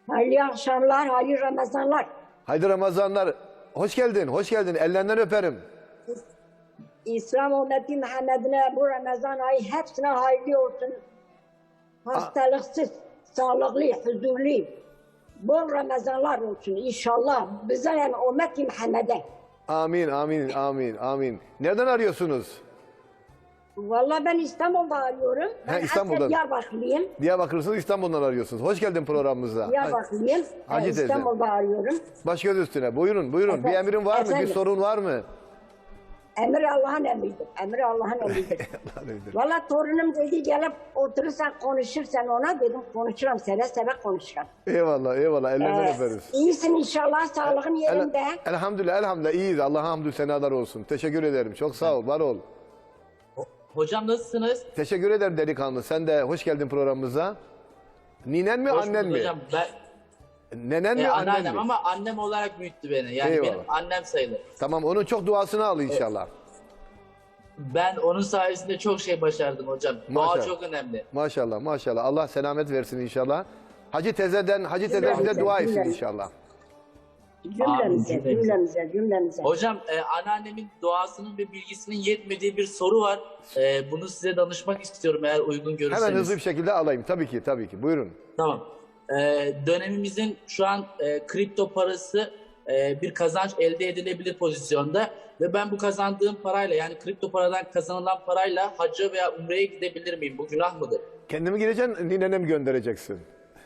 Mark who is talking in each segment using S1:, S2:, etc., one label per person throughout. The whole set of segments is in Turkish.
S1: Hayırlı akşamlar, hayırlı Ramazanlar.
S2: Haydi Ramazanlar. Hoş geldin, hoş geldin. Ellerinden öperim.
S1: İslam ümmeti Muhammed'ine bu Ramazan ayı hepsine hayırlı olsun. Hastalıksız, sağlıklı, huzurlu. Bol Ramazanlar olsun inşallah. Bize yani ümmeti Muhammed'e.
S2: Amin, amin, amin, amin. Nereden arıyorsunuz?
S1: Vallahi ben İstanbul'da arıyorum. Ben
S2: İstanbul'dan.
S1: Diyarbakırlıyım.
S2: Diyarbakır'sınız, İstanbul'dan arıyorsunuz. Hoş geldin programımıza.
S1: Diyarbakırlıyım.
S2: Hacı teyze.
S1: İstanbul'da arıyorum.
S2: Baş göz üstüne. Buyurun, buyurun. Bir emrin var mı?
S1: Efendim?
S2: Bir sorun var mı?
S1: Emir Allah'ın emridir. Emir Allah'ın emridir. Vallahi torunum dedi gelip oturursan konuşursan ona dedim konuşurum seve seve konuşurum.
S2: Eyvallah, eyvallah. Ellerinden öperiz.
S1: İyisin inşallah sağlığın yerinde.
S2: Elhamdülillah, elhamdülillah. İyiyiz. Allah'a hamdü senalar olsun. Teşekkür ederim. Çok sağ ol, var ol.
S3: Hocam nasılsınız?
S2: Teşekkür ederim delikanlı. Sen de hoş geldin programımıza. Ninen mi,
S3: Hoş
S2: annen
S3: bulduk
S2: mi?
S3: hocam. Ben
S2: Nenen mi, annen
S3: anneannem
S2: mi?
S3: ama annem olarak büyüttü beni. Yani
S2: Eyvallah.
S3: benim annem sayılır.
S2: Tamam, onun çok duasını al inşallah.
S3: Ben onun sayesinde çok şey başardım hocam. Dua
S2: Maşallah.
S3: çok önemli.
S2: Maşallah, maşallah. Allah selamet versin inşallah. Hacı teyzeden, Hacı teyze bize dua etsin inşallah.
S1: Cümlemize,
S3: Amin.
S1: cümlemize.
S3: Hocam anneannemin duasının ve bilgisinin yetmediği bir soru var. Bunu size danışmak istiyorum eğer uygun görürseniz.
S2: Hemen hızlı bir şekilde alayım. Tabii ki, tabii ki. Buyurun.
S3: Tamam. Dönemimizin şu an kripto parası bir kazanç elde edilebilir pozisyonda ve ben bu kazandığım parayla yani kripto paradan kazanılan parayla hacca veya umreye gidebilir miyim? Bu günah mıdır?
S2: Kendimi gideceksin, ninene mi göndereceksin?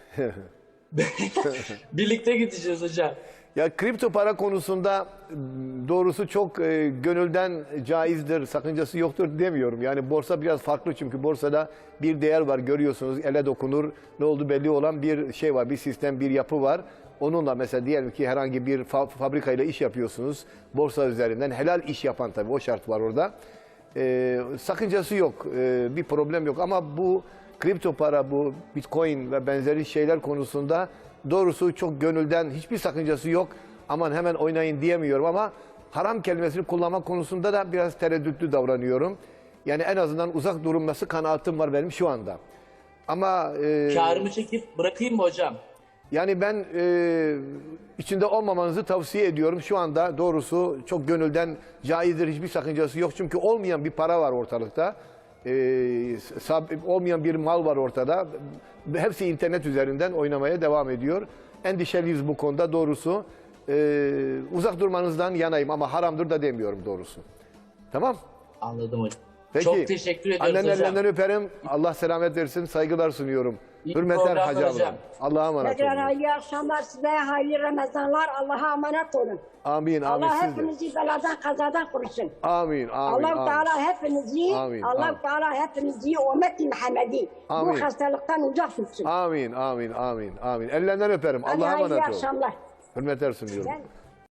S3: Birlikte gideceğiz hocam.
S2: Ya kripto para konusunda doğrusu çok gönülden caizdir, sakıncası yoktur demiyorum. Yani borsa biraz farklı çünkü borsada bir değer var görüyorsunuz, ele dokunur, ne oldu belli olan bir şey var, bir sistem, bir yapı var. Onunla mesela diyelim ki herhangi bir fabrikayla iş yapıyorsunuz, borsa üzerinden helal iş yapan tabii o şart var orada. Sakıncası yok, bir problem yok ama bu kripto para, bu bitcoin ve benzeri şeyler konusunda doğrusu çok gönülden hiçbir sakıncası yok. Aman hemen oynayın diyemiyorum ama haram kelimesini kullanmak konusunda da biraz tereddütlü davranıyorum. Yani en azından uzak durulması kanaatim var benim şu anda. Ama
S3: Kârımı çekip bırakayım mı hocam?
S2: yani ben içinde olmamanızı tavsiye ediyorum. Şu anda doğrusu çok gönülden caizdir, hiçbir sakıncası yok. Çünkü olmayan bir para var ortalıkta. Olmayan bir mal var ortada. Hepsi internet üzerinden oynamaya devam ediyor. Endişeliyiz bu konuda doğrusu. Uzak durmanızdan yanayım ama haramdır da demiyorum doğrusu. Tamam?
S3: Anladım hocam.
S2: Peki.
S3: Çok teşekkür ediyoruz
S2: Annenin
S3: hocam.
S2: ellerinden öperim. Allah selamet versin. Saygılar sunuyorum.
S3: İyi
S2: Hürmetler
S3: programlar
S2: Hacı abla.
S3: hocam.
S2: Allah'a emanet
S1: Tekrar
S2: olun.
S1: hayırlı akşamlar size, hayırlı Ramazanlar. Allah'a emanet olun.
S2: Amin, amin.
S1: Allah
S2: Siz de.
S1: hepinizi beladan kazadan korusun.
S2: Amin, amin,
S1: Allah-u
S2: amin.
S1: Teala hepinizi,
S2: Amin,
S1: Allah-u
S2: amin.
S1: Teala hepinizi ümmeti Muhammed'i
S2: Amin.
S1: bu hastalıktan uzak tutsun.
S2: Amin, amin, amin, amin. Ellerinden öperim.
S1: Hadi
S2: Allah'a
S1: hayırlı
S2: emanet olun.
S1: akşamlar.
S2: Hürmetler sunuyorum.
S1: Ben-